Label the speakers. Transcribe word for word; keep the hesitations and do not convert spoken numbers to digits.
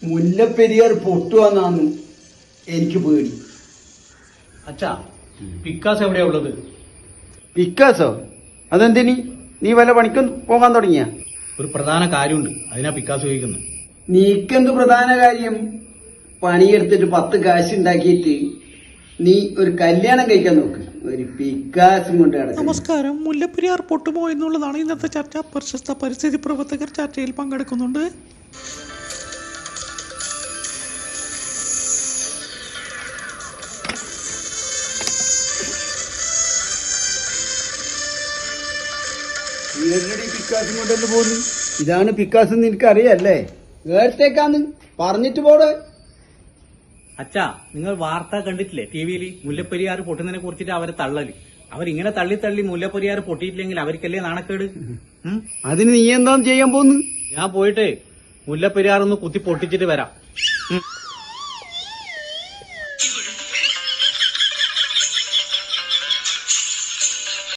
Speaker 1: മുല്ലപ്പെരിയാർ പൊട്ടുവന്നാന്ന് എനിക്ക് പേടി.
Speaker 2: അച്ഛാ, പിക്കാസ് എവിടെയാ ഉള്ളത്?
Speaker 1: പിക്കാസോ? അതെന്തിനി? നീ വല്ല പണിക്കും പോകാൻ തുടങ്ങിയ?
Speaker 2: ഒരു പ്രധാന കാര്യമുണ്ട്, അതിനാ പിക്കാസ് ചോദിക്കുന്നത്.
Speaker 1: നീക്കെന്ത് പ്രധാന കാര്യം? പണിയെടുത്തിട്ട് പത്ത് കാശ് ഉണ്ടാക്കിയിട്ട് നീ ഒരു കല്യാണം കഴിക്കാൻ നോക്ക്. ഒരു പിക്കാസും കൊണ്ട് കിടക്കും.
Speaker 3: നമസ്കാരം. മുല്ലപ്പെരിയാർ പൊട്ടുമോ എന്നുള്ളതാണ് ഇന്നത്തെ ചർച്ച. പ്രശസ്ത പരിസ്ഥിതി പ്രവർത്തകർ ചർച്ചയിൽ പങ്കെടുക്കുന്നുണ്ട്.
Speaker 1: പിക്കാസും കൊണ്ടല്ലേ പോകുന്നു? ഇതാണ് പിക്കാസ് എന്ന് എനിക്കറിയല്ലേ? വേർത്തേക്കാന്ന് പറഞ്ഞിട്ട് പോടെ.
Speaker 2: അച്ഛാ, നിങ്ങൾ വാർത്ത കണ്ടിട്ടില്ലേ ടി വിയിൽ? മുല്ലപ്പെരിയാർ പൊട്ടുന്നതിനെ കുറിച്ചിട്ട് അവരെ തള്ളല്. അവരിങ്ങനെ തള്ളി തള്ളി മുല്ലപ്പെരിയാർ പൊട്ടിയിട്ടില്ലെങ്കിൽ അവർക്കല്ലേ നാണക്കേട്. ഉം?
Speaker 1: അതിന് നീ എന്താ ചെയ്യാൻ പോന്ന്?
Speaker 2: ഞാൻ പോയിട്ട് മുല്ലപ്പെരിയാർ ഒന്ന് കുത്തി പൊട്ടിച്ചിട്ട് വരാം. ഉം.